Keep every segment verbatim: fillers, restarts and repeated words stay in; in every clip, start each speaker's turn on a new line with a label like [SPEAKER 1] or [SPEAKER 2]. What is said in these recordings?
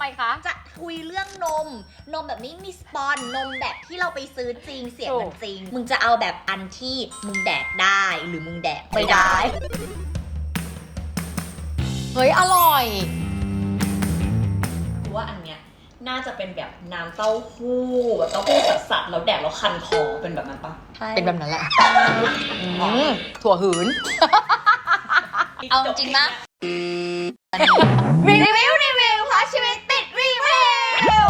[SPEAKER 1] มคะ
[SPEAKER 2] จะคุยเรื่องนมนมแบบไม่มีสปอนนมแบบที่เราไปซื้อจริงเสียงมันจริงมึงจะเอาแบบอันที่มึงแดกได้หรือมึงแดกไม่ได้
[SPEAKER 1] เฮ้ยอร่อย
[SPEAKER 3] กูว่าอันเนี้ยน่าจะเป็นแบบน้ำเต้าหู้แบบเต้าหู้สัสๆแล้วแดกแล้วคันคอเป็นแบบนั้นปะ
[SPEAKER 1] เป็นแบบนั้นแหละถั่วหืนเอาจริงนะรีวิวรีวิวเพราะชีวิตติดรีวิว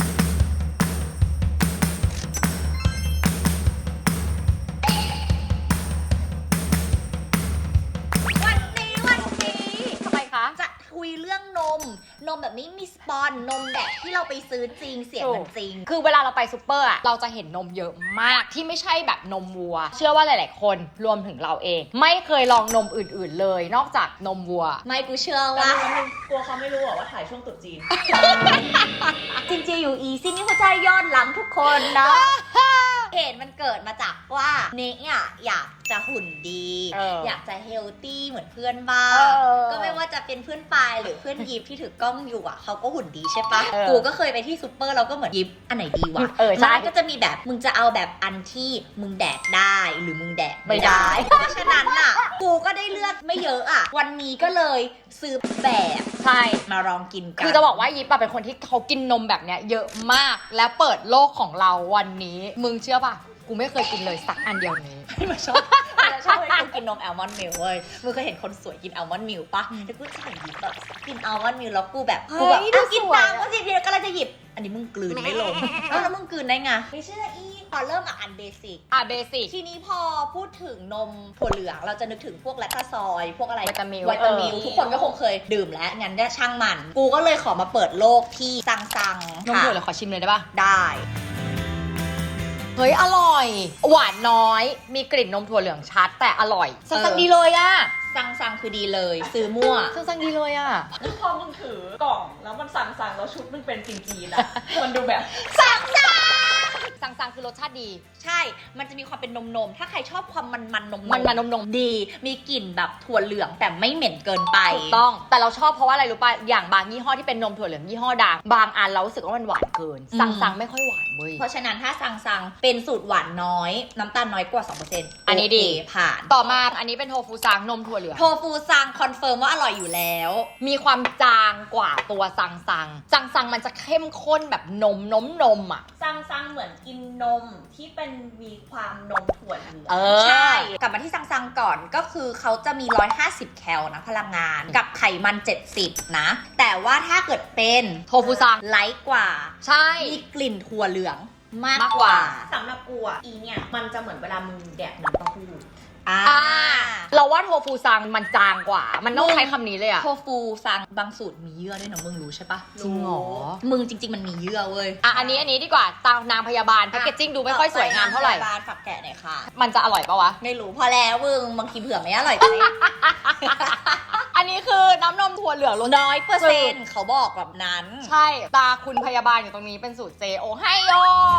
[SPEAKER 2] วันนี้วันนี้
[SPEAKER 1] ทำไมคะ
[SPEAKER 2] จะคุยเรื่องนมนมแบบไม่มีสปอนนมแบบที่เราไปซื้อจริงเสียงมันจริง
[SPEAKER 1] คือเวลาเราไปซูเปอร์อะเราจะเห็นนมเยอะมากที่ไม่ใช่แบบนมวัวเชื่อว่าหลายๆคนรวมถึงเราเองไม่เคยลองนมอื่นๆเลยนอกจากนมวัว
[SPEAKER 2] ไม่กูเชื่อว่า
[SPEAKER 3] กลัวเขาไม่รู้ว่าถ่ายช่วงตรุษจีน
[SPEAKER 2] จริงๆอยู่อีซี่นี่เขาใจยอดหลังทุกคนนะเหตุมันเกิดมาจากว่าเนกอ่ะอยากจะหุ่นดี
[SPEAKER 1] อ, อ,
[SPEAKER 2] อยากจะเฮลตี้เหมือนเพื่อนบ้างก็ไม่ว่าจะเป็นเพื่อนปายหรือเพื่อนยิปที่ถือกล้องอยู่อ่ะเขาก็หุ่นดีใช่ปะกูก็เคยไปที่ซูเปอร์เราก็เหมือนยิปอันไหนดีวะร้านก็จะมีแบบมึงจะเอาแบบอันที่มึงแดกได้หรือมึงแดกไม่ได้เพราะฉะนั้นอ่ะกูก็ได้เลือกไม่เยอะอ่ะวันนี้ก็เลยซื้อแบบ
[SPEAKER 1] ใช่
[SPEAKER 2] มาลองกินกัน
[SPEAKER 1] คือจะบอกว่ายิปเป็นคนที่เขากินนมแบบเนี้ยเยอะมากแล้วเปิดโลกของเราวันนี้มึงเชื่อป่ะกูไม่เคยกินเลยสักอันเดียวนี้
[SPEAKER 2] ไม่ชอบไม่ชอบให้กูกินนมแอลมอนด์มิลค์เว้ยมึงเคยเห็นคนสวยกินแอลมอนด์มิลค์ปะแต่กูจะเห็นยิบแบบกินแอลมอนด์มิลค์แล้วกูแบบกูแบบกินตามก็สิเดียวก็เลยจะหยิบอันนี้มึงกลืนไม่ลงแล้วมึงกลืนได้ไงไม่เชื่ออีพอเริ่มอ่ะอันเบสิก
[SPEAKER 1] อ่ะเบสิก
[SPEAKER 2] ทีนี้พอพูดถึงนมถั่วเหลืองเราจะนึกถึงพวกแลคตาซอยพวกอะไร
[SPEAKER 1] วิตามิล
[SPEAKER 2] วิตามิลทุกคนก็คงเคยดื่มแล้วงั้นได้ช่างมันกูก็เลยขอมาเปิดโลกที่ซังซัง
[SPEAKER 1] นมถั่วเหลืองขอชิมเลยได้ปะ
[SPEAKER 2] ได้
[SPEAKER 1] เฮ้ยอร่อยหวานน้อยมีกลิ่นนมถั่วเหลืองชัดแต่อร่อยสั่งดีเลยอะ
[SPEAKER 2] สั่งสั่งคือดีเลยซื้อมั่ว
[SPEAKER 1] สั่งสั่งดีเลยอะ
[SPEAKER 3] พอมึงถือกล่องแล้วมันสั่งสั่งแล้วชุดมึงเป็นจีนๆอะมันดูแบบ
[SPEAKER 2] สั่งสั่ง
[SPEAKER 1] สั่งสั่งคือรสชาติดี
[SPEAKER 2] ใช่มันจะมีความเป็นนมนมถ้าใครชอบความมันมันนม
[SPEAKER 1] มันมันนมนม
[SPEAKER 2] ดีมีกลิ่นแบบถั่วเหลืองแต่ไม่เหม็นเกินไป
[SPEAKER 1] ถูกต้องแต่เราชอบเพราะว่าอะไรรู้ป่ะอย่างบางยี่ห้อที่เป็นนมถั่วเหลืองยี่ห้อดังบางอันเรารู้สึกว่ามันหวานเกินสั่งสั่งไม่ค่อยหวานเว้ย
[SPEAKER 2] เพราะฉะนั้นถ้าสั่งสั่งเป็นสูตรหวานน้อยน้ำตาลน้อยกว่า สองเปอร์เซ็นต์
[SPEAKER 1] อันนี้ดี
[SPEAKER 2] ผ่าน
[SPEAKER 1] ต่อมาอันนี้เป็นโทฟูซังนมถั่วเหลือง
[SPEAKER 2] โทฟูซังคอนเฟิร์มว่าอร่อยอยู่แล้ว
[SPEAKER 1] มีความจางกว่าตัวซังซังซังซังมันจะเข้มข้นแบบนมนมนมอ่ะ
[SPEAKER 3] ซังซังเหมือนกินนมที่เป็นมีความนมถั่วเหลือง
[SPEAKER 2] ใช่กลับมาที่ซังซังก่อนก็คือเขาจะมีหนึ่งร้อยห้าสิบแคลนะพลังงานกับไขมันเจ็ดสิบนะแต่ว่าถ้าเกิดเป็น
[SPEAKER 1] โทฟูซัง
[SPEAKER 2] ไลท์กว่า
[SPEAKER 1] ใช่
[SPEAKER 2] มีกลิ่นถั่วเหลืองมากกว่า
[SPEAKER 3] สำหรับกูอ่ะอีเนี่ยมันจะเหมือนเวลามึงแดกน้ำเต้าหู้
[SPEAKER 2] อ่า
[SPEAKER 1] เราว่าโทฟูซังมันจางกว่ามันต้องใช้คำนี้เลยอะ
[SPEAKER 2] โทฟูซังบางสูตรมีเยื่อด้วยนะมึงรู้ใช่ปะ
[SPEAKER 1] จริงหรอ
[SPEAKER 2] มึงจริงๆมันมีเยื่อเว้ย
[SPEAKER 1] อ่ะอันนี้อันนี้ดีกว่าตานางพยาบาลแพคเกจจิ้งดูไม่ค่อยสวยงามเท่าไหร่
[SPEAKER 2] พยาบาลฝักแกะหน่อยค่ะ
[SPEAKER 1] มันจะอร่อยปะวะ
[SPEAKER 2] ไม่รู้พอแล้วมึงบางทีเผื่อไม่อร่อยไป
[SPEAKER 1] อันนี้คือน้ำนมถั่วเหลือง
[SPEAKER 2] น้อยเปอร์เซ็นต์เขาบอกแบบนั้น
[SPEAKER 1] ใช่ตาคุณพยาบาลอยู่ตรงนี้เป็นสูตรเจโอไฮโอ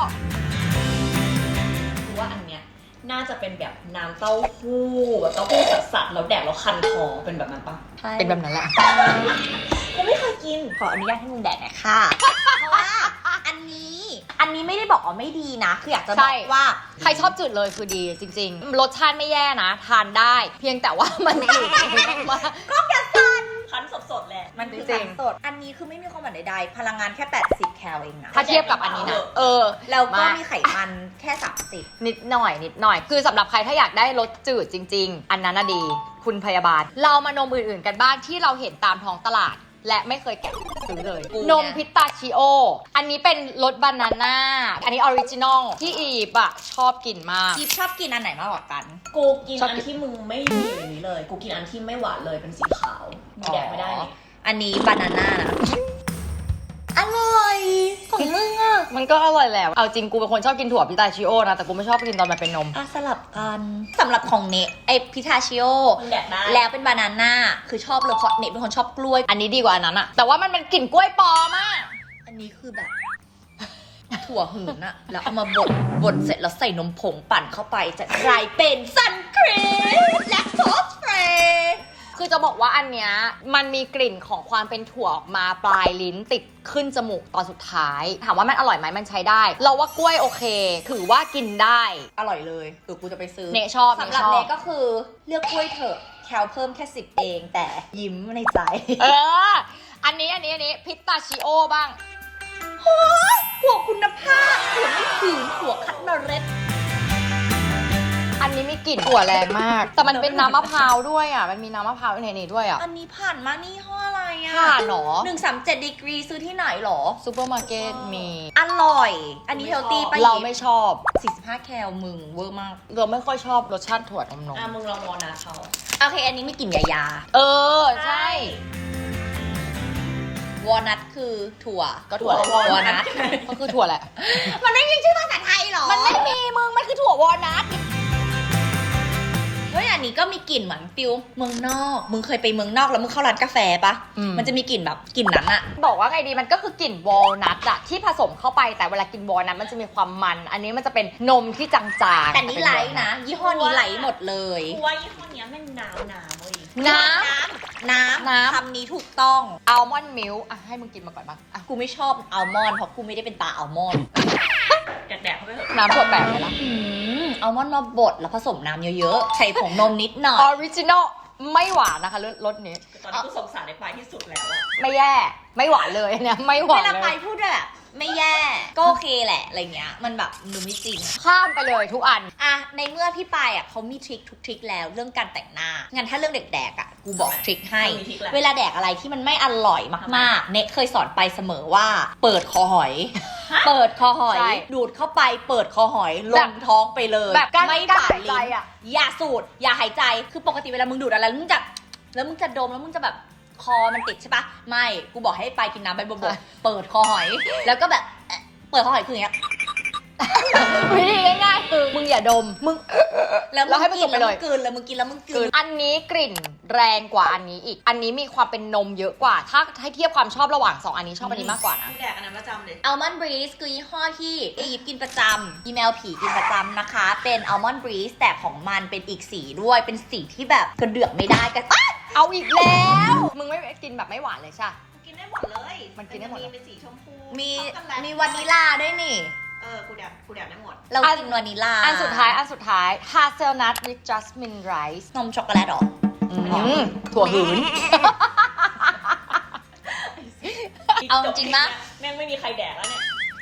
[SPEAKER 3] กูว่าอันเนี้ยน่าจะเป็นแบบน้ำเต้าหู้แบบเต้าหู้สัสๆแล้วแดกแล้วคันคอเป็นแบบนั้นปะ
[SPEAKER 1] เป็นแบบนั้นแหละ
[SPEAKER 3] กูไม่เคยกิน
[SPEAKER 2] ขออนุญาตให้มึงแดกหน่อยค่ะเพราะว่าอันนี้อันนี้ไม่ได้บอกว่าไม่ดีนะคืออยากจะบอกว่า
[SPEAKER 1] ใครชอบจืดเลยคือดีจริงๆรสชาติไม่แย่นะทานได้เพียงแต่ว่ามันจืดมาก
[SPEAKER 2] ก็จะสัน
[SPEAKER 3] คั้นสดๆแหละ
[SPEAKER 2] มันคือคั้นสดอันนี้คือไม่มีความหวานใดๆพลังงานแค่แปดสิบแคลเองนะ
[SPEAKER 1] ถ้าเทียบกับอันนี้นะเออ
[SPEAKER 2] แล้วก็มีไขมันแค่สามสิบ
[SPEAKER 1] นิดหน่อยนิดหน่อยคือสำหรับใครถ้าอยากได้รสจืดจริงๆอันนั้นน่ะดีคุณพยาบาลเรามานมอื่นๆกันบ้างที่เราเห็นตามท้องตลาดและไม่เคยแกะซื้อเลยนมพิสตาชิโออันนี้เป็นรสบานาน่าอันนี้ออริจินอลที่อีฟอะชอบกินมาก
[SPEAKER 2] อีฟชอบกินอันไหนมากกว่ากัน
[SPEAKER 3] กูกินอันที่มึงไม่มีอย่างนี้เลยกูกินอันที่ไม่หวานเลยเป็นสีขาวมีแดกไม่ได้
[SPEAKER 2] อันนี้บานาน่านะอร่อยของมึงอ่ะ
[SPEAKER 1] มันก็อร่อยแล้วเอาจริงกูเป็นคนชอบกินถั่วพิตาชิโอนะแต่กูไม่ชอบกินตอนมันเป็นนม
[SPEAKER 2] อ่ะสลับกันสำหรับของเนทไอพิทาชิโอแล้วเป็นบานาน่าคือชอบเลยเพราะเนทเป็นคนชอบกล้วย
[SPEAKER 1] อันนี้ดีกว่าอันนั้นอะแต่ว่ามันเป็นกลิ่นกล้วยปลอมอะ
[SPEAKER 2] อันนี้คือแบบถั่วหืนอะแล้วเอามาบดบดเสร็จแล้วใส่นมผงปั่นเข้าไปจะกลายเป็นซันครีมแลคโตสฟรี
[SPEAKER 1] คือจะบอกว่าอันเนี้ยมันมีกลิ่นของความเป็นถั่วออกมาปลายลิ้นติดขึ้นจมูกตอนสุดท้ายถามว่ามันอร่อยไหมมันใช้ได้ เราว่ากล้วยโอเคถือว่ากินได้
[SPEAKER 2] อร่อยเลยเออกูจะไปซื้อ
[SPEAKER 1] เนชอบ
[SPEAKER 2] สำหรับ
[SPEAKER 1] เนชอบ
[SPEAKER 2] เนก็คือเลือกกล้วยเถอะแคลเพิ่มแค่สิบเองแต่ยิ้มในใจ
[SPEAKER 1] เอออันนี้อันนี้อันนี้พิสตาชิโอบ้าง
[SPEAKER 2] ถั่วคุณภาพถั่วไม่ขืนถั่วคัดเมล็ด
[SPEAKER 1] อันนี้มีกลิ่นถั่วแรงมาก แต่มันเป็นน้ำมะพร้าวด้วยอ่ะมันมีน้ำมะพร้าวในนี้ด้วยอ่ะ
[SPEAKER 2] อันนี้ผ่านมานี่ห้ออะไรอ่ะ
[SPEAKER 1] ผ่านหรอ
[SPEAKER 2] หนึ่งสามเจ็ดดีกรีซื้อที่ไหนหรอ
[SPEAKER 1] ซูเปอร์มาร์เก็ตมี
[SPEAKER 2] อร่อย อันนี้เฮลตี้ปะ
[SPEAKER 1] เราไม่ชอบ
[SPEAKER 2] สี่สิบห้าแคลมึงเวอร์มาก
[SPEAKER 1] เราไม่ค่อยชอบรสชาติถั่วนมนม
[SPEAKER 3] อ่ะมึงลองวอลนัทเขา
[SPEAKER 2] โอเค อันนี้ไม่กลิ่นยายา
[SPEAKER 1] เออใช่
[SPEAKER 2] วอลนัทคือถั่ว
[SPEAKER 1] ก็ถั่วแหละ
[SPEAKER 2] วอลนัท
[SPEAKER 1] ก็คือถั่วแหละ
[SPEAKER 2] มันไม่มีชื่อภาษาไทยหรอ
[SPEAKER 1] มันไม่มีมึงมันคือถั่ววอลนัท
[SPEAKER 2] เฮ้ยอันนี้ก็มีกลิ่นเหมือนฟิลเมืองนอก มึงเคยไปเมืองนอกแล้วมึงเข้าร้านกาแฟปะ
[SPEAKER 1] อืม
[SPEAKER 2] มันจะมีกลิ่นแบบกลิ่นนั้นอะ
[SPEAKER 1] บอกว่าไงดีมันก็คือกลิ่นวอลนัทอะที่ผสมเข้าไปแต่เวลากินวอลนัทมันจะมีความมัน อันนี้มันจะเป็นนมที่จางๆ
[SPEAKER 2] แต่นี้ไลท์นะ ยี่ห้อนี้ไลท์หมดเลย
[SPEAKER 3] กูว่ายี่ห้อเนี้ยแม่งน้ำน้ำเว้ย
[SPEAKER 1] น้
[SPEAKER 2] น้ำ
[SPEAKER 1] น้ำ
[SPEAKER 2] คำนี้ถูกต้อง
[SPEAKER 1] ำอัลมอนด์มิลค์อ่ะให้มึงกินมาก่อนบ้างอ่ะ
[SPEAKER 2] กูไม่ชอบอัลมอนด์เพราะกูไม่ได้เป็นตาอัลมอนด์
[SPEAKER 3] แดกๆเข้าไปเถอะ
[SPEAKER 1] น้ำถั่วแปดเลยละ
[SPEAKER 2] อืมอัลมอนด์มาบดแล้วผสมน้ำเยอะๆ ใส่ผงนมนิดหน่อ
[SPEAKER 1] อย อริจินอลไม่หวานนะคะรสรสนี้
[SPEAKER 3] ตอนนี้กูสงสารในปลายที่สุดแล้วอะ
[SPEAKER 1] ไม่แย่ไม่หวานเลยอันเนี่ยไม่หวา
[SPEAKER 2] เวน ลา
[SPEAKER 1] เล
[SPEAKER 2] ไป
[SPEAKER 1] ย
[SPEAKER 2] พูดแบบไม่แย่ก็โอเคแหละอะไรเงี้ยมันแบบดูไม่จริง
[SPEAKER 1] ข้ามไปเลยทุกอัน
[SPEAKER 2] อะในเมื่อพี่ปายอะเขามีทริคทุกทริคแล้วเรื่องการแต่งหน้างั้นถ้าเรื่องเด็กแดกอะกูบอกทริคให้
[SPEAKER 3] มีทิกแหละ
[SPEAKER 2] เวลาแดกอะไรที่มันไม่อร่อยมากๆ เน็ตเคยสอนไปเสมอว่า เปิดคอหอย เปิดคอหอย
[SPEAKER 1] ใช่
[SPEAKER 2] ดูดเข้าไปเปิดคอหอยล
[SPEAKER 1] แบ
[SPEAKER 2] ง
[SPEAKER 1] บ
[SPEAKER 2] ท้องไปเลย
[SPEAKER 1] แบบกั้น
[SPEAKER 2] ไม่
[SPEAKER 1] กั้น
[SPEAKER 2] ฝ่า
[SPEAKER 1] หายใจ
[SPEAKER 2] ลิ้น
[SPEAKER 1] อะ
[SPEAKER 2] อย่าสูดอย่าหายใจคือปกติเวลามึงดูดอะไรแล้วมึงจะแล้วมึงจะดมแล้วมึงจะแบบคอมันติดใช่ปะไม่กูบอกให้ไปกินน้ำใบบกๆเปิดคอหอย แล้วก็แบบเอ่อเปิดคอหอยคืออย่างเงี้ย
[SPEAKER 1] วิธีง่ายๆคือมึงอย่าดมมึง
[SPEAKER 2] แล้วมึ
[SPEAKER 1] แล้ว
[SPEAKER 2] ง
[SPEAKER 1] ให้มัน
[SPEAKER 2] กิ
[SPEAKER 1] จ
[SPEAKER 2] น
[SPEAKER 1] บไป
[SPEAKER 2] แล้ว
[SPEAKER 1] เล
[SPEAKER 2] มึ
[SPEAKER 1] ย
[SPEAKER 2] งกลืนแล้วมึงกินแล้วมึงกลืน
[SPEAKER 1] อันนี้กลิ่นแรงกว่าอันนี้อีก อันนี้มีความเป็นนมเยอะกว่า ถ้าให้เทียบความชอบระหว่างสองอันนี้ชอบอันนี้มากกว่านะ
[SPEAKER 3] กูแดกอันนั้นประจำเลย
[SPEAKER 2] อัลมอนด์บรีสคือยี่ห้อที่อียิปต์กินประจำอีเมลผีกินประจำนะคะ เป็นอัลมอนด์บรีสแต่ของมันเป็นอีกสีด้วยเป็นสีที่แบบกระเดือกไม่ได้กันอ๊ะ
[SPEAKER 1] เอาอีกแล้ว มึงไม่กินแบบไม่หวานเลยใช่
[SPEAKER 3] กินได้หมดเลย
[SPEAKER 1] มันกินได้หมด
[SPEAKER 3] มีเป็นสีชมพู
[SPEAKER 2] มี
[SPEAKER 3] ช็อกโกแลต
[SPEAKER 2] มีวานิลลาด้วยนี่
[SPEAKER 3] เออกูแดกกูแดกได้หมด
[SPEAKER 2] เรากินวานิลลา
[SPEAKER 1] อันสุดท้ายอันสุดท้าย hazelnut with jasmine rice
[SPEAKER 2] นมช็อกโกแลตเหรอ
[SPEAKER 1] อืมถั่วหืน
[SPEAKER 2] เอาจริงปะ
[SPEAKER 3] แม่งไม่มีใครแดกแล้วเนี่ย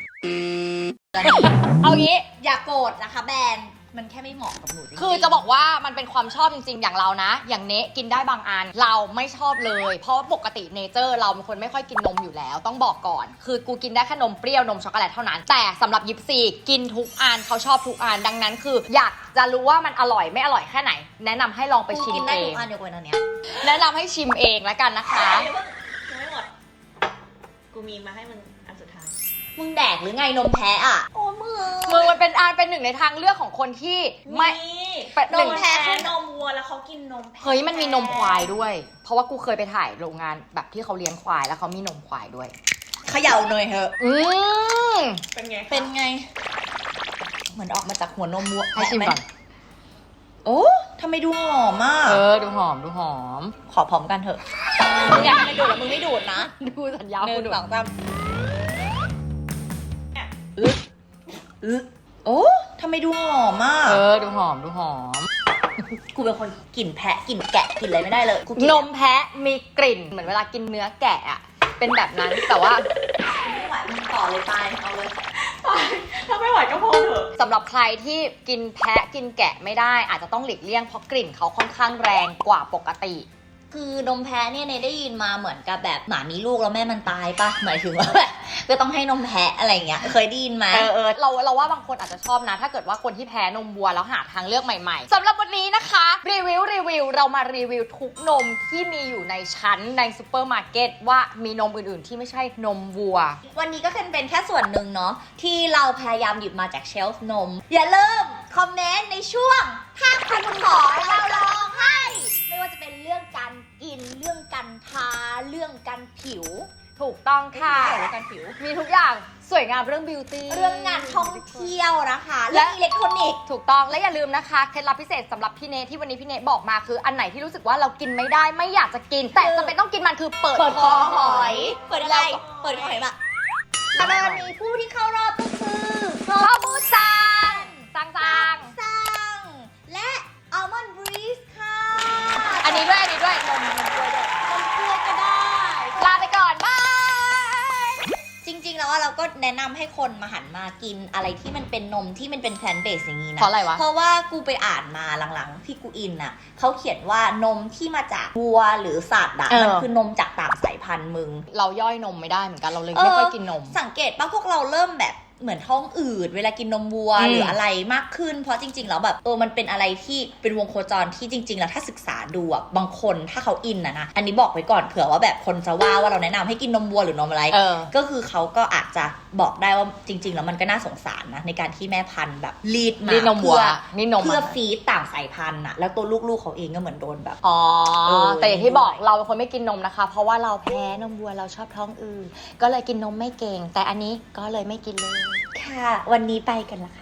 [SPEAKER 1] เอางี้
[SPEAKER 2] อย่าโกรธนะคะแบรนด์มันแค่ไม่เหมาะกับหนูจริงๆ
[SPEAKER 1] คือจะบอกว่ามันเป็นความชอบจริงๆ อย่างเรานะ อย่างเนะกินได้บางอัน เราไม่ชอบเลย เพราะว่าปกติเนเจอร์เราเป็นคนไม่ค่อยกินนมอยู่แล้ว ต้องบอกก่อน คือกูกินได้แค่นมเปรี้ยวนมช็อกโกแลตเท่านั้น แต่สำหรับยิปซีกินทุกอันเขาชอบทุกอัน ดังนั้นคือ อยากจะรู้ว่ามันอร่อยไม่อร่อยแค่ไหน แนะนำให้ลองไป
[SPEAKER 2] กู
[SPEAKER 1] ชิม
[SPEAKER 2] กินได้
[SPEAKER 1] เอ
[SPEAKER 2] ทุ
[SPEAKER 1] ง
[SPEAKER 2] กอันยกเว้นอันเนี้ย
[SPEAKER 1] แนะนำให้ชิมเองแล้วกันนะคะ
[SPEAKER 3] เดี๋ยวเพิ่งยังไม่หมด กูมีมาให้มึงอันสุดท้าย
[SPEAKER 2] มึงแดกหรือไงนมแพ้อ่ะโอ้มือ
[SPEAKER 1] มึงมันเป็นอันเป็นหนึ่งในทางเลือกของคนที่ไม่ เป็น
[SPEAKER 3] น
[SPEAKER 1] หนึ่
[SPEAKER 3] ม
[SPEAKER 1] ง
[SPEAKER 3] แพ้คือนมวัวแล้วเขากินนมแพ้
[SPEAKER 1] เฮ้ยมันมีนมควายด้วย เพราะว่ากูเคยไปถ่ายโรงงานแบบที่เขาเลี้ยงควายแล้วเขามีนมควายด้วย
[SPEAKER 2] เขย่าหน่อยเถอะ
[SPEAKER 1] อืม
[SPEAKER 3] เป็นไงคะ
[SPEAKER 2] เป็นไง เหมือนออกมาจากหัวนมวัว
[SPEAKER 1] ให้ชิมก่อน
[SPEAKER 2] โอ้ทำไมดูหอมอ่ะ
[SPEAKER 1] เออ ดูหอม ดูหอม
[SPEAKER 2] ขอพร้อมกันเถอะมึงอยากให้มันดูดแล้วมึงไม่ดูดนะ
[SPEAKER 1] ดูสัญญา
[SPEAKER 2] หนึ่
[SPEAKER 1] กู
[SPEAKER 2] ง
[SPEAKER 1] ดู
[SPEAKER 2] สองสามอึ๊อึ๊โอ้ทำไมดูหอมอ่ะ
[SPEAKER 1] เออ ดูหอม ดูหอม
[SPEAKER 2] กูเป็นคนกลิ่นแพะกลิ่นแกะกลิ่นอะไรไม่ได้เลยกูกิ
[SPEAKER 1] นมแพะมีกลิ่น เหมือนเวลากินเนื้อแกะอะเป็นแบบนั้น แต่ว่า
[SPEAKER 2] ไม่ไหวมึงต่อเลยไปเอาเลย
[SPEAKER 3] ถ้าไม่ไหวก็พอเถอะ
[SPEAKER 1] สำหรับใครที่กินแพะกินแกะไม่ได้ อาจจะต้องหลีกเลี่ยงเพราะกลิ่นเขาค่อนข้างแรงกว่าปกติ
[SPEAKER 2] คือนมแพ้เนี่ยเนยได้ยินมาเหมือนกับแบบหมามีลูกแล้วแม่มันตายปะหมายถึงว่าแบบก็ต้องให้นมแพะอะไรเงี้ยเคยได้ยินไหม
[SPEAKER 1] เออเออเราเราว่าบางคนอาจจะชอบนะ ถ้าเกิดว่าคนที่แพ้นมวัวแล้วหาทางเลือกใหม่ๆสำหรับวันนี้นะคะรีวิวรีวิวเรามารีวิวทุกนมที่มีอยู่ในชั้นในซูเปอร์มาร์เก็ตว่ามีนมอื่นๆที่ไม่ใช่นมวัว
[SPEAKER 2] วันนี้ก็เป็นเป็นแค่ส่วนหนึ่งเนาะที่เราพยายามหยิบมาจากเชลฟ์นม อย่าลืมคอมเมนต์ในช่วงถ้าคุณขอเราลองให้ ไม่ว่าจะเป็นเรื่องการกินเรื่องการทาเรื่องการผิว
[SPEAKER 1] ถูกต้องค่ะ
[SPEAKER 2] เกี่ยวกับการผิว
[SPEAKER 1] มีทุกอย่างสวยงามเรื่องบิวตี้
[SPEAKER 2] เรื่องงานท่องเที่ยวนะคะ
[SPEAKER 1] และ
[SPEAKER 2] และอิเล็กทรอนิกส์
[SPEAKER 1] ถูกต้องและอย่าลืมนะคะเคล็ดลับพิเศษสำหรับพี่เนทที่วันนี้พี่เนทบอกมาคืออันไหนที่รู้สึกว่าเรากินไม่ได้ไม่อยากจะกิน แต่จะเป็นต้องกินมันคือเปิด
[SPEAKER 2] เปิด
[SPEAKER 1] ค
[SPEAKER 2] ค
[SPEAKER 1] อ
[SPEAKER 2] อ
[SPEAKER 1] ห
[SPEAKER 2] ห
[SPEAKER 1] อ
[SPEAKER 2] อย ย เปิดอะไร เปิดคอหอยแบบแล้ววันนี้ผู้ที่เข้ารอบก็คือโซ
[SPEAKER 1] ข้าวบูซังซังซัง
[SPEAKER 2] ซังและอัลมอนด์บรีสค่ะ
[SPEAKER 1] อันนี้ด้วยอันนี้ด้วยนมนมกล้วยด้วย
[SPEAKER 2] นมกล้วยก็ได้
[SPEAKER 1] ลาไปก่อนบาย
[SPEAKER 2] จริงๆ แล้วอะเราก็แนะนำให้คนมาหันมากินอะไรที่มันเป็นนมที่มันเป็นแพลนเบสอย่างนี้นะ
[SPEAKER 1] เพราะอะไรวะ
[SPEAKER 2] เพราะว่ากูไปอ่านมาหลังๆที่กูอินน่ะเขาเขียนว่านมที่มาจากวัวหรือสัตว์อะ
[SPEAKER 1] เออ
[SPEAKER 2] มันคือนมจากต่างสายพันธุ์มึง
[SPEAKER 1] เราย่อยนมไม่ได้เหมือนกันเราเลยไม่ค่อยกินนม
[SPEAKER 2] สังเกตป่ะพวกเราเริ่มแบบเหมือนท้องอืดเวลากินนมวัว
[SPEAKER 1] อืม
[SPEAKER 2] หรืออะไรมากขึ้น เพราะจริงๆแล้วแบบเออมันเป็นอะไรที่เป็นวงโคจรที่จริงๆแล้วถ้าศึกษาดูอะบางคนถ้าเขาอินนะนะอันนี้บอกไว้ก่อนเผื่อว่าแบบคนจะว่าว่าเราแนะนำให้กินนมวัวหรือนมอะไร
[SPEAKER 1] เออ
[SPEAKER 2] ก็คือเขาก็อาจจะบอกได้ว่าจริง ๆ แล้วมันก็น่าสงสารนะในการที่แม่พันธุ์แบบรีดมา
[SPEAKER 1] นี่นมวัว
[SPEAKER 2] เพื่อ
[SPEAKER 1] นี่นม
[SPEAKER 2] เพื่อ
[SPEAKER 1] อะ
[SPEAKER 2] ฟีดต่างสายพันธุ์อะแล้วตัวลูกๆเขาเองก็เหมือนโดนแบบ
[SPEAKER 1] อ๋อ
[SPEAKER 2] เออ
[SPEAKER 1] แต่อย่างที่บอกเราเป็นคนไม่กินนมนะคะ เพราะว่าเราแพ้นมวัวเราชอบท้องอืดก็เลยกินนมไม่เก่ง แต่อันนี้ก็เลยไม่กินเลย
[SPEAKER 2] ค่ะ วันนี้ไปกันละค่ะ